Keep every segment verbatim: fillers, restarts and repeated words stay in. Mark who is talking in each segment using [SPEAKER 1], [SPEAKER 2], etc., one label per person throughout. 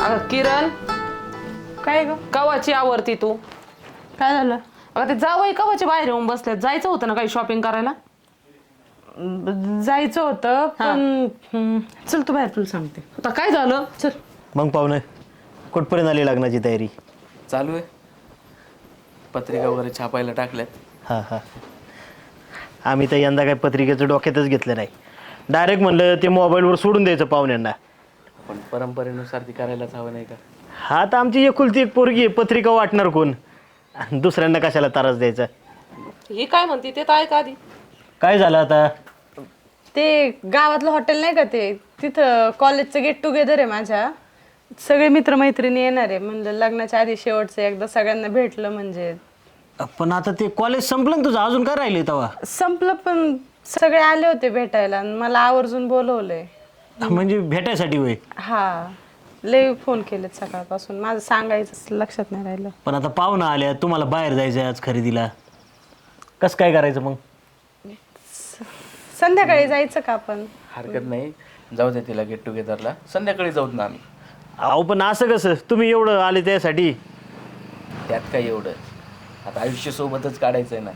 [SPEAKER 1] अगं किरण,
[SPEAKER 2] काय ग?
[SPEAKER 1] कवाची आवरती तू?
[SPEAKER 2] काय झालं?
[SPEAKER 1] अगं ते जावई कवाची बाहेर येऊन बसल्यात. जायचं होतं ना काही शॉपिंग करायला.
[SPEAKER 2] ब- जायचं होतं पण हम्म, चल तू बाहेर, तुला सांगते.
[SPEAKER 1] आता काय झालं?
[SPEAKER 2] चल.
[SPEAKER 3] मग पाहुणे कुठपर्यंत आली लग्नाची तयारी?
[SPEAKER 4] चालू आहे. पत्रिका वगैरे छापायला टाकल्यात.
[SPEAKER 3] हां हां आम्ही तर यंदा काही पत्रिकेचं डोक्यातच घेतलं नाही. डायरेक्ट म्हणलं ते मोबाईलवर सोडून द्यायचं पाहुण्यांना.
[SPEAKER 4] पण परंपरेनुसार ती करायलाच हवं नाही का?
[SPEAKER 3] हा तर आमची एकुलती एक पोरगी आहे, पत्रिका वाटणार कोण? आणि दुसऱ्यांना कशाला त्रास द्यायचा?
[SPEAKER 1] ही काय म्हणते ते तर ऐका आधी.
[SPEAKER 3] काय झालं आता?
[SPEAKER 2] ते गावातलं हॉटेल नाही का, ते तिथं कॉलेजचं गेट टुगेदर आहे माझ्या. सगळे मित्रमैत्रिणी येणार आहे. म्हणलं लग्नाच्या आधी शेवटचं एकदा सगळ्यांना भेटलं म्हणजे.
[SPEAKER 3] पण आता ते कॉलेज संपलं ना तुझं, अजून काय राहिले तेव्हा?
[SPEAKER 2] संपलं पण सगळे आले होते भेटायला आणि मला आवर्जून बोलवलंय.
[SPEAKER 3] म्हणजे भेटायसाठी होय?
[SPEAKER 2] हा, लय फोन केलेत सकाळपासून. माझं सांगायचं लक्षात नाही राहिलं.
[SPEAKER 3] पण आता पाहुणा आल्या, तुम्हाला बाहेर जायचं आहे आज खरेदीला, कसं काय करायचं मग?
[SPEAKER 2] संध्याकाळी जायचं का आपण?
[SPEAKER 4] हरकत नाही, जाऊ दे तिला गेट टुगेदरला. संध्याकाळी जाऊत ना आम्ही.
[SPEAKER 3] अहो पण असं कसं, तुम्ही एवढं आले त्यासाठी?
[SPEAKER 4] त्यात काय एवढं, आता आयुष्य सोबतच काढायचं आहे ना.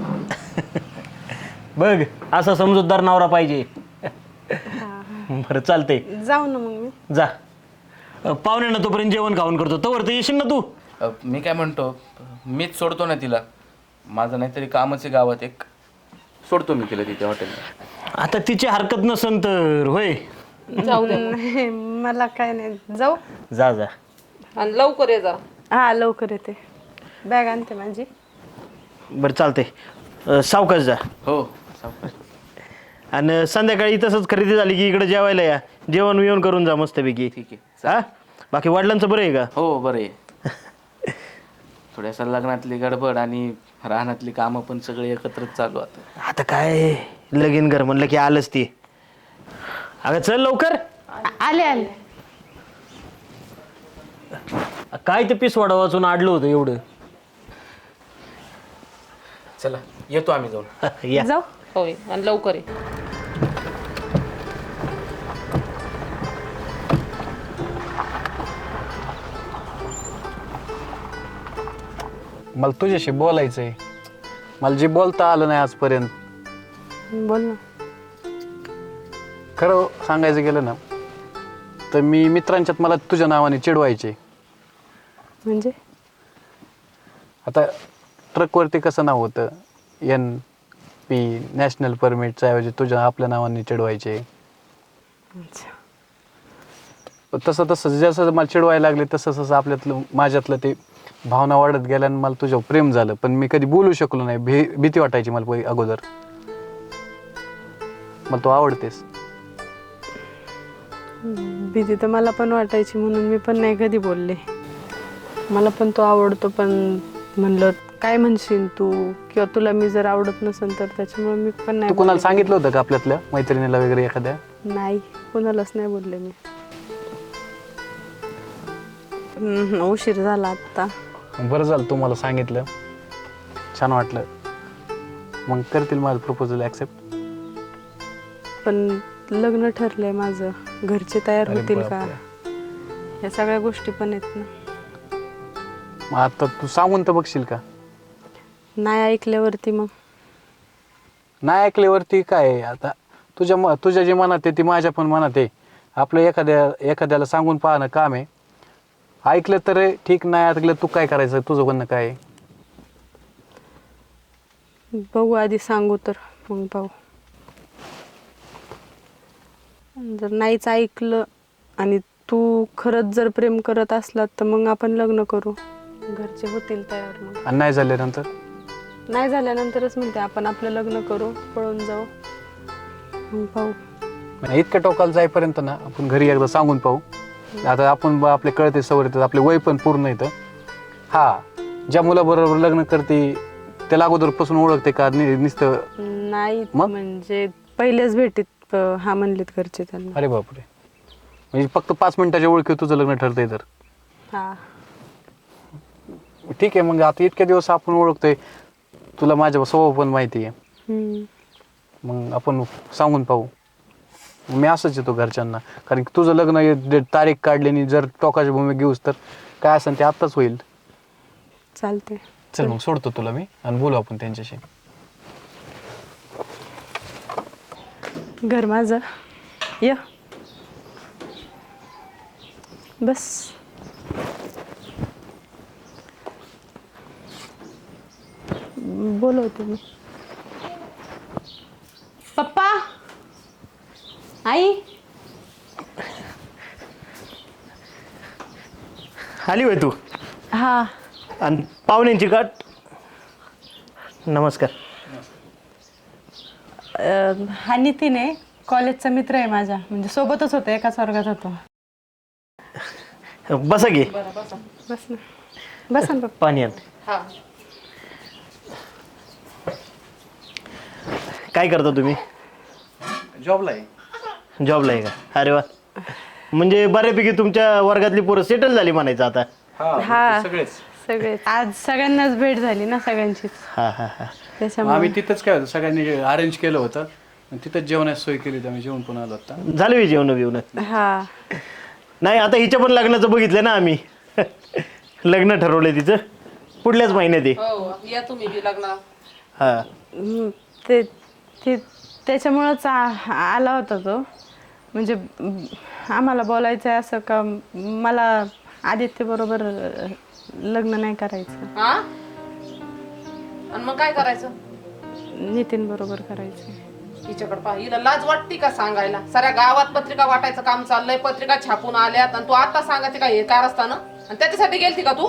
[SPEAKER 3] बघ, असा समजूतदार नवरा पाहिजे. बरं चालतंय,
[SPEAKER 2] जाऊ ना मग मी.
[SPEAKER 3] जा. अ, पाहुण्यांना तोपर्यंत जेवण खाऊन करतो, तोवर तर येशील ना तू?
[SPEAKER 4] अ, मी काय म्हणतो, मीच सोडतो ना तिला. माझं नाहीतरी कामच आहे गावात एक, सोडतो मी तिला तिथे हॉटेलला.
[SPEAKER 3] आता तिची हरकत नसन तर होय.
[SPEAKER 1] जाऊ दे.
[SPEAKER 2] नाही, मला काय नाही. जाऊ.
[SPEAKER 3] जा जा.
[SPEAKER 1] आणि लवकर ये जा.
[SPEAKER 2] हा, लवकर येते. बॅग आणते माझी.
[SPEAKER 3] बरं चालतंय, सावकाश जा.
[SPEAKER 4] हो, सावकाश.
[SPEAKER 3] आणि संध्याकाळी तसंच खरेदी झाली की इकडे जेवायला या, जेवण विवण करून जा मस्तपैकी.
[SPEAKER 4] ठीक आहे.
[SPEAKER 3] हा, बाकी वडिलांचं बरं आहे का?
[SPEAKER 4] हो, बरं आहे. थोड्यासा लग्नातली गडबड आणि राहण्यातली कामं पण सगळे एकत्रच चालू आता.
[SPEAKER 3] आता काय लगीन घर म्हणलं की आलंच ते. अगं चल लवकर.
[SPEAKER 2] आले आले.
[SPEAKER 3] काय ते पीस वडा वाचून आडलं होतं एवढं.
[SPEAKER 4] चला, येतो आम्ही जाऊन.
[SPEAKER 3] या.
[SPEAKER 2] जाऊ.
[SPEAKER 1] होय, आणि लवकर ये.
[SPEAKER 5] मला तुझ्याशी बोलायचं आहे. मला जे बोलता आलं नाही आजपर्यंत.
[SPEAKER 2] बोल ना.
[SPEAKER 5] खरं सांगायचं गेलं ना तर मी मित्रांच्यात मला तुझ्या नावाने चिडवायचे.
[SPEAKER 2] म्हणजे
[SPEAKER 5] आता ट्रकवरती कसं नाव होतं, एन पी नॅशनल परमिटच्या ऐवजी तुझ्या आपल्या नावाने चिडवायचे.
[SPEAKER 2] अच्छा.
[SPEAKER 5] तसं तसं जसं मला चिडवायला लागले तसं तसं आपल्यातलं माझ्यातलं ते भावना वाढत गेल्या आणि मला तुझ्यावर प्रेम झालं. पण मी कधी बोलू शकलो नाही. भी भीती वाटायची मला पहिले अगोदर. मला तू आवडतेस.
[SPEAKER 2] भीती तर मला पण वाटायची, म्हणून मी पण नाही कधी बोलले. मला पण तो आवडतो, पण म्हणलं काय म्हणशील तू, किंवा तुला मी जर आवडत नसेल तर त्याच्यामुळे मी पण नाही
[SPEAKER 5] तू कोणाला
[SPEAKER 2] बोलले.
[SPEAKER 5] सांगितलं होतं का आपल्यातल्या मैत्रिणीला वगैरे एखाद्या?
[SPEAKER 2] नाही, कोणालाच नाही बोलले मी. हम्म, उशीर झाला आता.
[SPEAKER 5] बरं झालं तू मला सांगितलं, छान वाटलं. मग करतील माझं प्रपोजल ॲक्सेप्ट?
[SPEAKER 2] पण लग्न ठरलंय माझं, घरचे तयार
[SPEAKER 5] अरे
[SPEAKER 2] होतील का,
[SPEAKER 5] बापरे.
[SPEAKER 2] या सगळ्या गोष्टी पण आहेत ना.
[SPEAKER 5] मग आता तू सांगून तर बघशील का?
[SPEAKER 2] नाही ऐकल्यावरती मग
[SPEAKER 5] नाही ऐकल्यावरती काय आहे? आता तुझ्या म तुझ्या जे मनात आहे ती माझ्या पण मनात आहे. आपलं एखाद्या एखाद्याला सांगून पाहणं काम आहे. ऐकलं तर ठीक, नाही ऐकलं तू काय करायचं, तुझं म्हणणं काय आहे?
[SPEAKER 2] बघू, आधी सांगू तर मग पाहू. जर नाहीच ऐकलं आणि तू खरंच जर प्रेम करत असलात तर मग आपण लग्न करू, घरचे होतील तयार. मग
[SPEAKER 5] आणि नाही झाल्यानंतर?
[SPEAKER 2] नाही झाल्यानंतरच म्हणते आपण आपलं लग्न करू, पळून जाऊ, मग पाहू.
[SPEAKER 5] म्हणजे इतक्या टोकाला जाईपर्यंत ना आपण घरी एकदा सांगून पाहू. आता आपण ब- आपले कळते सवय येतात, आपले वय पण पूर्ण येतं. हा, ज्या मुलाबरोबर लग्न करते त्याला अगोदरपासून ओळखते का नि- नुसतं?
[SPEAKER 2] नाही
[SPEAKER 5] मग?
[SPEAKER 2] म्हणजे पहिल्याच भेटीत अं, हा म्हणलेत घरचे त्यांना.
[SPEAKER 5] अरे बापरे, म्हणजे फक्त पाच मिनिटाच्या ओळखी तुझं लग्न ठरतंय तर?
[SPEAKER 2] हा.
[SPEAKER 5] ठीक आहे, मग आता इतक्या दिवस आपण ओळखतोय, तुला माझ्या स्वभाव पण माहिती आहे.
[SPEAKER 2] हम्म.
[SPEAKER 5] मग आपण सांगून पाहू. मी असंच येतो घरच्यांना, कारण की तुझं लग्न हे डे- तारीख काढली आणि जर टोकाची भूमी घेऊस तर काय असेल ते आत्ताच होईल.
[SPEAKER 2] चालते.
[SPEAKER 5] चल मग सोडतो तुला मी आणि बोलू आपण त्यांच्याशी.
[SPEAKER 2] घर माझं य बस. बोलवते मी.
[SPEAKER 1] पप्पा आई
[SPEAKER 3] आली होय तू
[SPEAKER 2] हा
[SPEAKER 3] आणि पाहुण्यांची गाठ. नमस्कार.
[SPEAKER 2] अं, हा नितीन आहे, कॉलेजचा मित्र आहे माझा, म्हणजे सोबतच होतो, एकाच वर्गात होतो.
[SPEAKER 3] बसा घे.
[SPEAKER 2] बस ना बस ना पप्पा.
[SPEAKER 3] पाणी आण. काय करता तुम्ही?
[SPEAKER 5] जॉबला आहे.
[SPEAKER 3] जॉबला आहे का? अरे वा, म्हणजे बऱ्यापैकी तुमच्या वर्गातली पोरं सेटल झाली म्हणायचं आता.
[SPEAKER 2] हा
[SPEAKER 5] सगळेच.
[SPEAKER 2] सगळे आज सगळ्यांनाच भेट झाली ना सगळ्यांचीच,
[SPEAKER 3] हा हा हा
[SPEAKER 2] त्याच्यामुळे
[SPEAKER 5] आम्ही तिथंच काय होतं सगळ्यांनी अरेंज केलं होतं आणि तिथंच जेवणाची सोय केली होती. आम्ही जेवण पण आलो आता.
[SPEAKER 3] झालं मी जेवण बिवणं?
[SPEAKER 2] हा.
[SPEAKER 3] नाही, आता हिच्या पण लग्नाचं बघितलं ना आम्ही. लग्न ठरवलंय तिचं पुढल्याच महिन्यात आहे.
[SPEAKER 1] हो या तुम्ही बी लग्नाला.
[SPEAKER 3] हा
[SPEAKER 2] हम्म, ते ते त्याच्यामुळंच आ- आला होता तो, म्हणजे म, आम्हाला बोलायचं आहे असं का मला आदित्य बरोबर लग्न नाही करायचं,
[SPEAKER 1] हा आणि मग काय करायचं?
[SPEAKER 2] नितीन बरोबर करायचं.
[SPEAKER 1] हिच्याकडे पहा, हिला लाज वाटते का सांगायला? साऱ्या गावात पत्रिका वाटायचं काम चाललंय, पत्रिका छापून आल्यात आणि तू आता सांगायचे काय हे कार असताना? आणि त्याच्यासाठी गेलती का तू?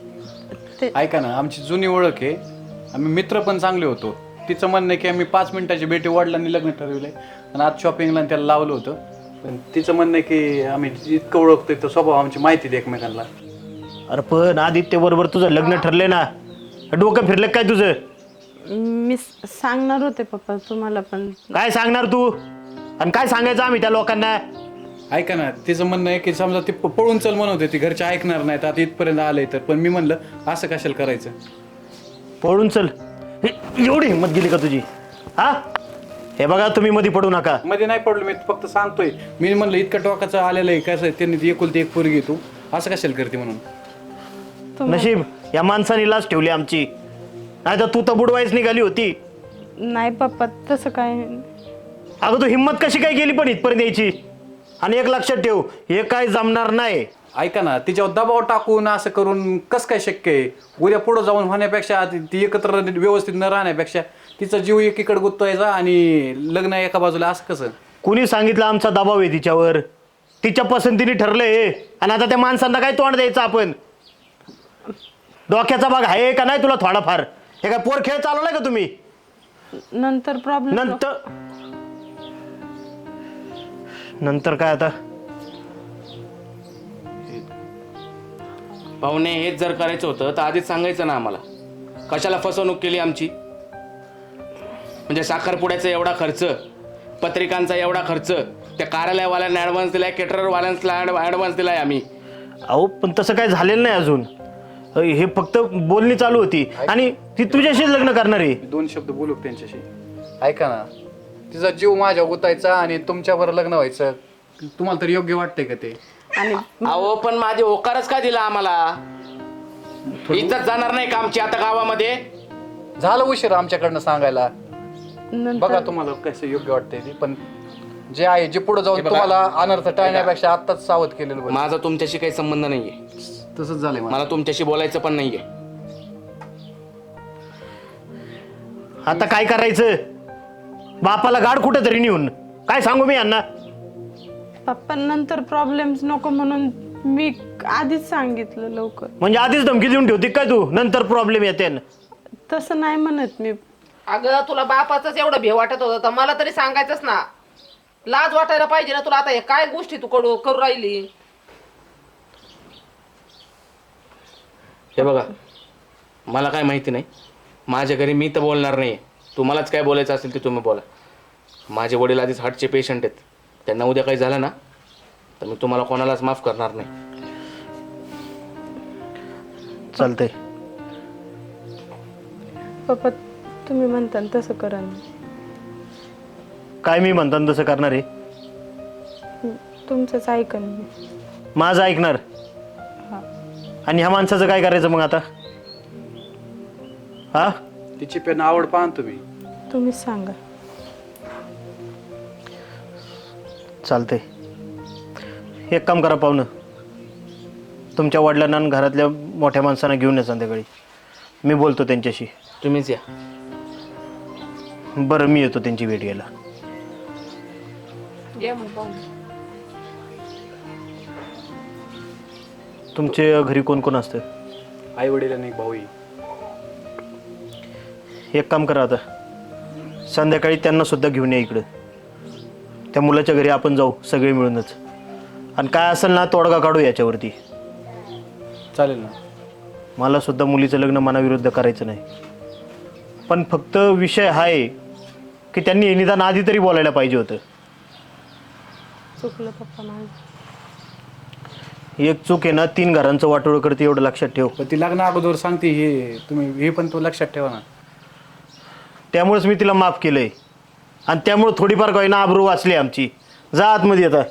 [SPEAKER 5] ऐका ना, आमची जुनी ओळख आहे, आम्ही मित्र पण चांगले होतो. तिचं म्हणणं आहे की आम्ही पाच मिनिटाची भेटी वडिलांनी लग्न ठरवलंय आणि आज शॉपिंगला त्याला लावलं होतं. पण तिचं म्हणणं आहे की आम्ही इतकं ओळखतोय तर स्वभाव आमची माहिती आहे एकमेकांना.
[SPEAKER 3] अरे पण आदित्य बरोबर तुझं लग्न ठरलंय ना, डोकं फिरलं काय तुझं?
[SPEAKER 2] मी स- सांगणार होते पप्पा तुम्हाला, पण
[SPEAKER 3] काय सांगणार तू आणि काय सांगायचं आम्ही त्या लोकांना?
[SPEAKER 5] ऐका ना, तिचं म्हणणं आहे की समजा ती प- पळून चल म्हणत होती, घरचे ऐकणार नाहीत, आता इथपर्यंत आलंय तर. पण मी म्हणलं असं कशाला करायचं.
[SPEAKER 3] पळून चल, हे- एवढी हिंमत गेली का तुझी? हा, हे बघा तुम्ही मध्ये पडू नका.
[SPEAKER 5] मध्ये नाही पडलो, मी फक्त सांगतोय. मी म्हणलं इतकं टोकाचं आलेलं आहे कसं, त्यांनी ती एकुलती एक पोरगी तू असं कशाला करते म्हणून.
[SPEAKER 3] नशीब या माणसाने लाच ठेवली आमची, नाही तर तू तर बुडवायच निघाली होती.
[SPEAKER 2] नाही पप्पा तसं काय.
[SPEAKER 3] अगं तू हिंमत कशी काय केली पण इथपर्यंत यायची? आणि एक लक्षात ठेव, हे काय जमणार नाही.
[SPEAKER 5] ऐका ना, तिच्यावर दबाव टाकून असं करून कसं काय शक्य आहे? उद्या पुढं जाऊन होण्यापेक्षा, ती ती एकत्र व्यवस्थित न राहण्यापेक्षा तिचा जीव एकीकडे गुंतवायचा आणि लग्न एका बाजूला, असं कसं?
[SPEAKER 3] कुणी सांगितलं आमचा दबाव आहे तिच्यावर? तिच्या पसंतीने ठरलंय हे. आणि आता त्या माणसांना काय तोंड द्यायचं आपण? डोक्याचा भाग आहे का नाही तुला थोडाफार? हे काय पोर खेळ चालवलाय का तुम्ही?
[SPEAKER 2] नंतर प्रॉब्लेम.
[SPEAKER 3] नंतर नंतर काय आता?
[SPEAKER 4] पाहुणे हेच जर करायचं होतं तर आधीच सांगायचं ना आम्हाला. कशाला फसवणूक केली आमची? म्हणजे साखरपुड्याचा एवढा खर्च, पत्रिकांचा एवढा खर्च, त्या कार्यालयवाल्यांना ॲडव्हान्स दिलाय, केटररवाल्यांना ॲडव्हान्स दिलाय आम्ही.
[SPEAKER 3] अहो पण तसं काय झालेलं नाही अजून. हे फक्त बोलणी चालू होती आणि ती तुझ्याशीच लग्न करणार आहे.
[SPEAKER 5] दोन शब्द बोलू का त्यांच्याशी? ऐका ना, तिचा जीव माझ्या गुतायचा आणि तुमच्यावर लग्न व्हायचं, तुम्हाला तर योग्य वाटतंय का ते?
[SPEAKER 2] आणि
[SPEAKER 4] अहो पण माझी होकारच का दिला आम्हाला? इज्जत जाणार नाही का आमची आता गावामध्ये?
[SPEAKER 5] झालं उशीर आमच्याकडनं सांगायला.
[SPEAKER 2] नंतर
[SPEAKER 5] बघा तुम्हाला कसं योग्य वाटतंय ते, पण जे आहे जे पुढे जाऊन
[SPEAKER 4] हे बघा.
[SPEAKER 5] तुम्हाला अनर्थ टाळण्यापेक्षा आत्ताच सावध केलेलं बरं.
[SPEAKER 4] माझा तुमच्याशी काही संबंध नाहीये,
[SPEAKER 5] तसंच झालंय मला.
[SPEAKER 4] मला तुमच्याशी बोलायचं पण नाहीये.
[SPEAKER 3] आता काय करायचं? बापाला गाड कुठं तरी नेऊन काय सांगू मी यांना?
[SPEAKER 2] पप्पा नंतर प्रॉब्लेम्स नको म्हणून मी आधीच सांगितलं लवकर.
[SPEAKER 3] म्हणजे आधीच धमकी देऊन ठेवते काय तू? नंतर प्रॉब्लेम येते न.
[SPEAKER 2] तसं नाही म्हणत मी.
[SPEAKER 1] अगं तुला बापाचंच एवढं भे वाटत होतं तर मला तरी सांगायचंच ना. लाज वाटायला पाहिजे ना तुला. आता हे काय गोष्टी तू करू करू राहिली?
[SPEAKER 4] हे बघा, मला काय माहिती नाही, माझ्या घरी मी तर बोलणार नाही. तुम्हालाच काय बोलायचं असेल ते तुम्ही बोला. माझे वडील आधीच हार्टचे पेशंट आहेत, त्यांना उद्या काही झालं ना तर मी तुम्हाला कोणालाच माफ करणार नाही.
[SPEAKER 3] चालतंय.
[SPEAKER 2] पप्पा तुम्ही म्हणता तसं करा ना.
[SPEAKER 3] काय मी म्हणताना तसं करणार आहे?
[SPEAKER 2] तुमचंच ऐकन मी.
[SPEAKER 3] माझं ऐकणार आणि ह्या माणसाचं काय करायचं मग आता? हा
[SPEAKER 5] तिची पेन आवड पाहा ना तुम्ही.
[SPEAKER 2] तुम्हीच सांगा.
[SPEAKER 3] चालतंय. एक काम करा पाहुणं, तुमच्या वडिलांना आणि घरातल्या मोठ्या माणसांना घेऊन या संध्याकाळी. मी बोलतो त्यांच्याशी.
[SPEAKER 4] तुम्हीच या.
[SPEAKER 3] बरं मी येतो त्यांची भेट घ्यायला.
[SPEAKER 1] ये मग पाहुणे.
[SPEAKER 3] तुमच्या घरी कोण कोण असतं?
[SPEAKER 5] आई वडील आणि एक भाऊ.
[SPEAKER 3] एक काम करा आता, संध्याकाळी त्यांना सुद्धा घेऊन या इकडं. त्या मुलाच्या घरी आपण जाऊ सगळे मिळूनच, आणि काय असेल ना तोडगा काढू याच्यावरती.
[SPEAKER 5] चालेल ना.
[SPEAKER 3] मला सुद्धा मुलीचं लग्न मनाविरुद्ध करायचं नाही, पण फक्त विषय हा आहे की त्यांनी हे निदान आधी तरी बोलायला पाहिजे होतं.
[SPEAKER 2] चुकलं पप्पा माझं.
[SPEAKER 3] एक चूक आहे ना तीन घरांचं वाटोळं करते, एवढं लक्षात ठेव.
[SPEAKER 5] पण ती लग्न अगोदर सांगते हे तुम्ही, हे पण तो लक्षात ठेवा ना.
[SPEAKER 3] त्यामुळेच मी तिला माफ केलंय, आणि त्यामुळे थोडीफार काही ना आबरू वाचली आमची. जा आतमध्ये आता.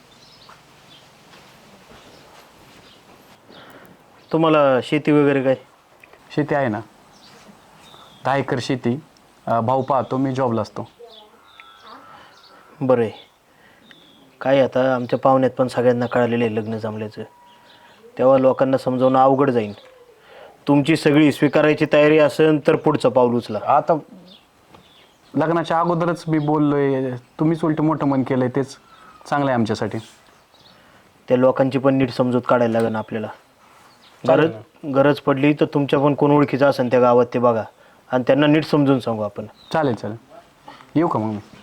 [SPEAKER 3] तुम्हाला शेती वगैरे काय?
[SPEAKER 5] शेती आहे ना, दहा एकर शेती. अं, भाऊ पाहतो, मी जॉबला असतो.
[SPEAKER 3] बरं आहे. काय आता आमच्या पाहुण्यात पण सगळ्यांना कळालेलं आहे लग्न जमल्याचं, तेव्हा लोकांना समजावणं अवघड जाईल. तुमची सगळी स्वीकारायची तयारी असेल तर पुढचं पाऊल उचला.
[SPEAKER 5] आता लग्नाच्या अगोदरच मी बोललोय, तुम्हीच उलट मोठं मन केलंय, तेच चांगलं आहे आमच्यासाठी.
[SPEAKER 3] त्या लोकांची पण नीट समजूत काढायला लागेल आपल्याला. गरज गरज पडली तर तुमच्या पण कोण ओळखीचं असेल त्या गावात ते बघा, आणि त्यांना नीट समजून सांगू आपण.
[SPEAKER 5] चालेल चालेल. येऊ का मग मी?